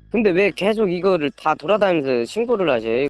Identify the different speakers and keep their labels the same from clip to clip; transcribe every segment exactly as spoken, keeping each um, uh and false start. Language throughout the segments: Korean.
Speaker 1: 근데 왜 계속 이거를 다 돌아다니면서 신고를 하지?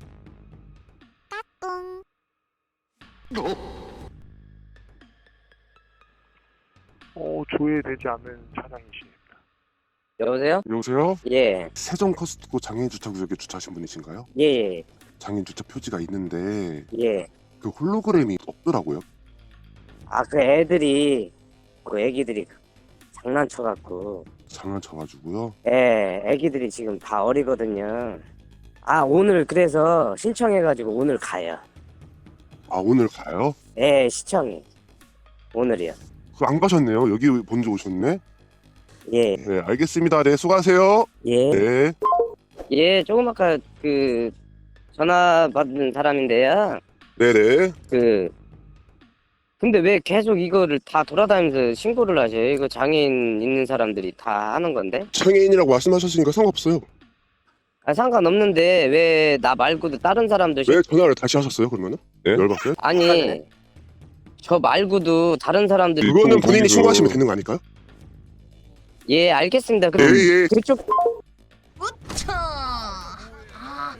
Speaker 2: 어, 조회되지 않는 차량이십니다.
Speaker 1: 여보세요?
Speaker 3: 여보세요?
Speaker 1: 예,
Speaker 3: 세종 커스트코 장애인 주차 구역에 주차하신 분이신가요?
Speaker 1: 예, 예,
Speaker 3: 장애인 주차 표지가 있는데
Speaker 1: 예.
Speaker 3: 그 홀로그램이 없더라고요.
Speaker 1: 아, 그 애들이, 그 애기들이 장난쳐갖고,
Speaker 3: 장난쳐가지고요.
Speaker 1: 예, 애기들이 지금 다 어리거든요. 아, 오늘 그래서 신청해가지고 오늘 가요.
Speaker 3: 아 오늘 가요?
Speaker 1: 예, 시청이. 오늘이요.
Speaker 3: 그 안 가셨네요. 여기 먼저 오셨네.
Speaker 1: 예,
Speaker 3: 네 알겠습니다. 네 수고하세요.
Speaker 1: 예.
Speaker 3: 네.
Speaker 1: 예, 조금 아까 그, 전화 받은 사람인데요.
Speaker 3: 네네.
Speaker 1: 그, 근데 왜 계속 이거를 다 돌아다니면서 신고를 하죠? 이거 장애인 있는 사람들이 다 하는 건데?
Speaker 3: 장애인이라고 말씀하셨으니까 상관없어요.
Speaker 1: 아, 상관없는데 왜 나 말고도 다른 사람도 신...
Speaker 3: 왜 전화를 다시 하셨어요 그러면은? 네? 열받게?
Speaker 1: 아니, 저 말고도 다른 사람들이
Speaker 3: 그거는
Speaker 1: 또-
Speaker 3: 본인이 신고하시면 되는 거 아닐까요?
Speaker 1: 예, 알겠습니다. 그럼
Speaker 3: 예, 예.
Speaker 1: 그쪽
Speaker 4: 우차! 아.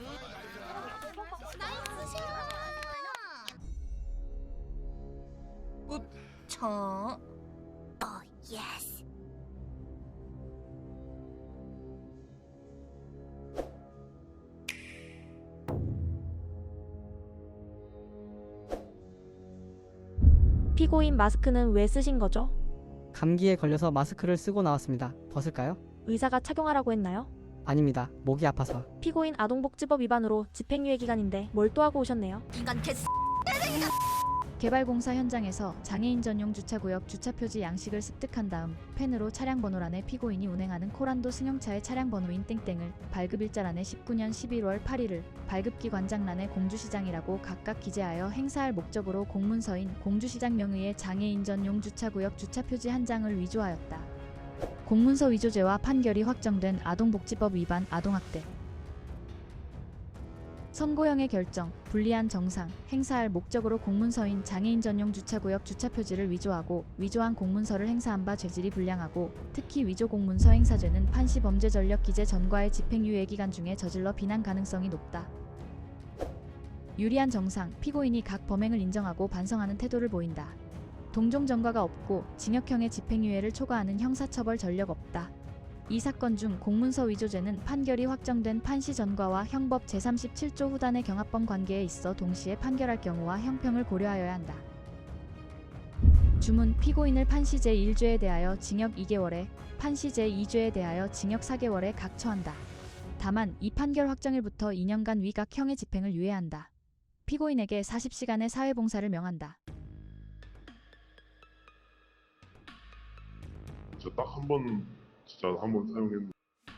Speaker 4: 우차! 어, 예스!
Speaker 5: 피고인 마스크는 왜 쓰신 거죠?
Speaker 6: 감기에 걸려서 마스크를 쓰고 나왔습니다. 벗을까요?
Speaker 5: 의사가 착용하라고 했나요?
Speaker 6: 아닙니다. 목이 아파서.
Speaker 5: 피고인 아동복지법 위반으로 집행유예 기간인데 뭘 또 하고 오셨네요?
Speaker 4: 인간 개스!
Speaker 7: 개발공사 현장에서 장애인 전용 주차구역 주차표지 양식을 습득한 다음 펜으로 차량 번호란에 피고인이 운행하는 코란도 승용차의 차량 번호인 땡땡을, 발급일자란에 십구 년 십일월 팔일을, 발급기관장란에 공주시장이라고 각각 기재하여 행사할 목적으로 공문서인 공주시장 명의의 장애인 전용 주차구역 주차표지 한 장을 위조하였다. 공문서 위조죄와 판결이 확정된 아동복지법 위반 아동학대. 선고형의 결정, 불리한 정상, 행사할 목적으로 공문서인 장애인 전용 주차구역 주차표지를 위조하고 위조한 공문서를 행사한 바 죄질이 불량하고 특히 위조 공문서 행사죄는 판시 범죄 전력 기재 전과의 집행유예 기간 중에 저질러 비난 가능성이 높다. 유리한 정상, 피고인이 각 범행을 인정하고 반성하는 태도를 보인다. 동종 전과가 없고 징역형의 집행유예를 초과하는 형사처벌 전력 없다. 이 사건 중 공문서 위조죄는 판결이 확정된 판시 전과와 형법 제삼십칠 조 후단의 경합범 관계에 있어 동시에 판결할 경우와 형평을 고려하여야 한다. 주문 피고인을 판시 제일 죄에 대하여 징역 이 개월에, 판시 제이 죄에 대하여 징역 사 개월에 각 처한다. 다만 이 판결 확정일부터 이 년간 위각 형의 집행을 유예한다. 피고인에게 사십 시간의 사회봉사를 명한다.
Speaker 8: 저 딱 한 번 진짜 한 번 사용했는데.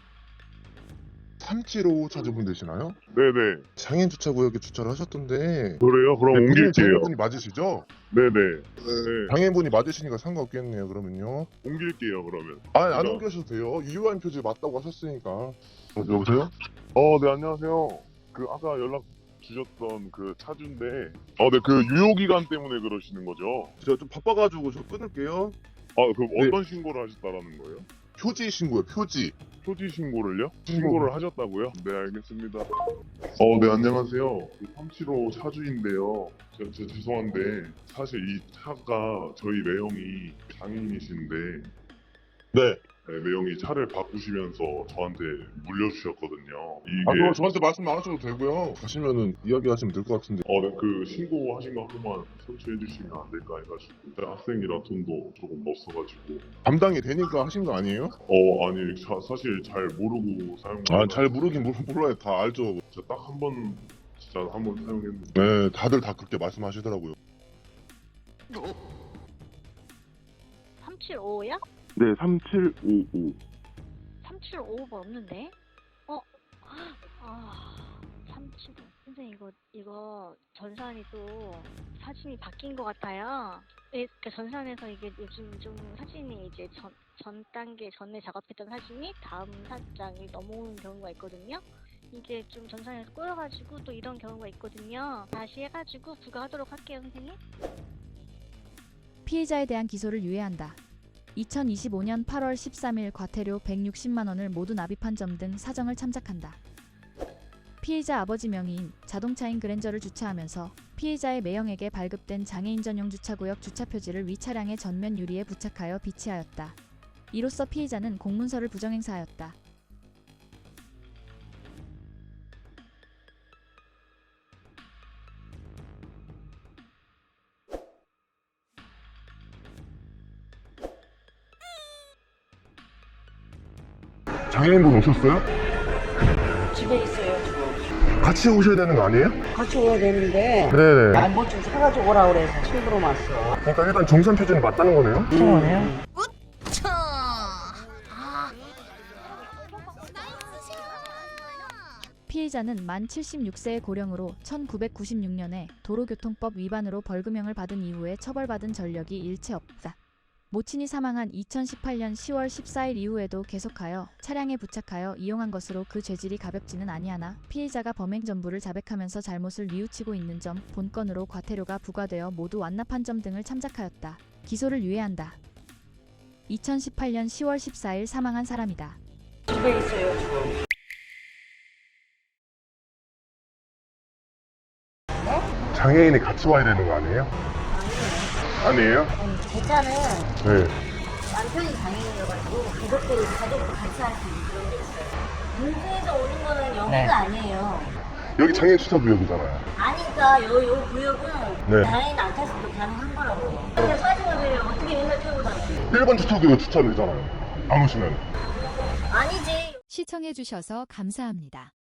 Speaker 9: 삼칠오오 차주분 되시나요?
Speaker 8: 네네.
Speaker 9: 장애인 주차구역에 주차를 하셨던데.
Speaker 8: 그래요? 그럼
Speaker 9: 네,
Speaker 8: 옮길게요.
Speaker 9: 장애인분이 맞으시죠?
Speaker 8: 네네.
Speaker 9: 네. 장애인분이 맞으시니까 상관없겠네요. 그러면요.
Speaker 8: 옮길게요 그러면.
Speaker 9: 아니 안
Speaker 8: 제가-
Speaker 9: 옮겨셔도 돼요. 유효한 표지 맞다고 하셨으니까.
Speaker 8: 어, 여보세요? 어, 네 안녕하세요. 그 아까 연락 주셨던 그 차주인데, 어, 네 그 유효 기간 때문에 그러시는 거죠?
Speaker 9: 제가 좀 바빠가지고 저 끊을게요.
Speaker 8: 아, 그럼
Speaker 9: 네.
Speaker 8: 어떤 신고를 하셨다라는 거예요?
Speaker 9: 표지 신고요. 표지.
Speaker 8: 표지 신고를요?
Speaker 9: 신고.
Speaker 8: 신고를 하셨다고요? 네 알겠습니다. 어, 네 안녕하세요. 그 삼칠오 차주인데요. 저, 저 죄송한데 사실 이 차가 저희 매형이 장애인이신데.
Speaker 9: 네.
Speaker 8: 네, 매형이 차를 바꾸시면서 저한테 물려주셨거든요. 이게
Speaker 9: 아 그럼 저한테 말씀 안 하셔도 되고요. 가시면은 이야기하시면 될 것 같은데.
Speaker 8: 어, 네, 그 신고하신 거 한번 선수해 주시면 안 될까 해가지고 제가 학생이라 돈도 조금 없어가지고.
Speaker 9: 감당이 되니까 하신 거 아니에요?
Speaker 8: 어, 아니 사, 사실 잘 모르고 사용.
Speaker 9: 아 잘 모르긴 모르, 몰라요. 다 알죠.
Speaker 8: 진짜 딱 한 번 진짜 한 번 사용했는데.
Speaker 9: 네, 다들 다 그렇게 말씀하시더라고요.
Speaker 10: 삼칠오오야?
Speaker 9: 네, 삼칠오오.
Speaker 10: 삼칠오오가 없는데? 어? 아, 삼칠오. 선생님 이거 이거 전산이 또 사진이 바뀐 것 같아요. 예, 그 전산에서 이게 요즘 좀 사진이 이제 전, 전 단계 전에 작업했던 사진이 다음 사장이 넘어오는 경우가 있거든요. 이게 좀 전산에서 꼬여가지고 또 이런 경우가 있거든요. 다시 해가지고 부과하도록 할게요, 선생님.
Speaker 7: 피해자에 대한 기소를 유예한다. 이천이십오년 팔월 십삼일 과태료 백육십만 원을 모두 납입한 점 등 사정을 참작한다. 피의자 아버지 명의인 자동차인 그랜저를 주차하면서 피의자의 매형에게 발급된 장애인 전용 주차구역 주차표지를 위 차량의 전면 유리에 부착하여 비치하였다. 이로써 피의자는 공문서를 부정행사하였다.
Speaker 9: 장애인분 오셨어요?
Speaker 11: 집에 있어요 지금.
Speaker 9: 같이 오셔야 되는 거 아니에요?
Speaker 11: 같이 오야 되는데
Speaker 9: 네네.
Speaker 11: 아, 뭐 좀 사가지고 오라 그래서 친구로 왔어.
Speaker 9: 그러니까 일단 정산 표준이 맞다는 거네요?
Speaker 11: 친구네요.
Speaker 4: 우차. 아.
Speaker 7: 피의자는 만 칠십육 세의 고령으로 천구백구십육 년에 도로교통법 위반으로 벌금형을 받은 이후에 처벌받은 전력이 일체 없다. 모친이 사망한 이천십팔년 시월 십사일 이후에도 계속하여 차량에 부착하여 이용한 것으로 그 죄질이 가볍지는 아니하나 피의자가 범행 전부를 자백하면서 잘못을 뉘우치고 있는 점, 본건으로 과태료가 부과되어 모두 완납한 점 등을 참작하였다. 기소를 유예한다. 이천십팔년 시월 십사일 사망한 사람이다.
Speaker 11: 집에 있어요 지금.
Speaker 9: 장애인이 같이 와야 되는 거 아니에요? 아니에요?
Speaker 11: 제 차는
Speaker 9: 네.
Speaker 11: 남편이 장애인이어가지고 가족들이 가족도 같이 할 수 있는 그런 게 있어요. 문제에서 오는 거는 여기가
Speaker 1: 네.
Speaker 11: 아니에요.
Speaker 9: 여기 장애인 주차 구역이잖아요.
Speaker 11: 아니까 요, 요 구역은
Speaker 9: 네.
Speaker 11: 장애인 안 탔어도 가능한 거라고. 근데 사진을 왜 어떻게 맨날 태우고 다니지?
Speaker 9: 일 번 주차 구역 주차되잖아요. 안 오시면.
Speaker 11: 아니지.
Speaker 7: 시청해주셔서 감사합니다.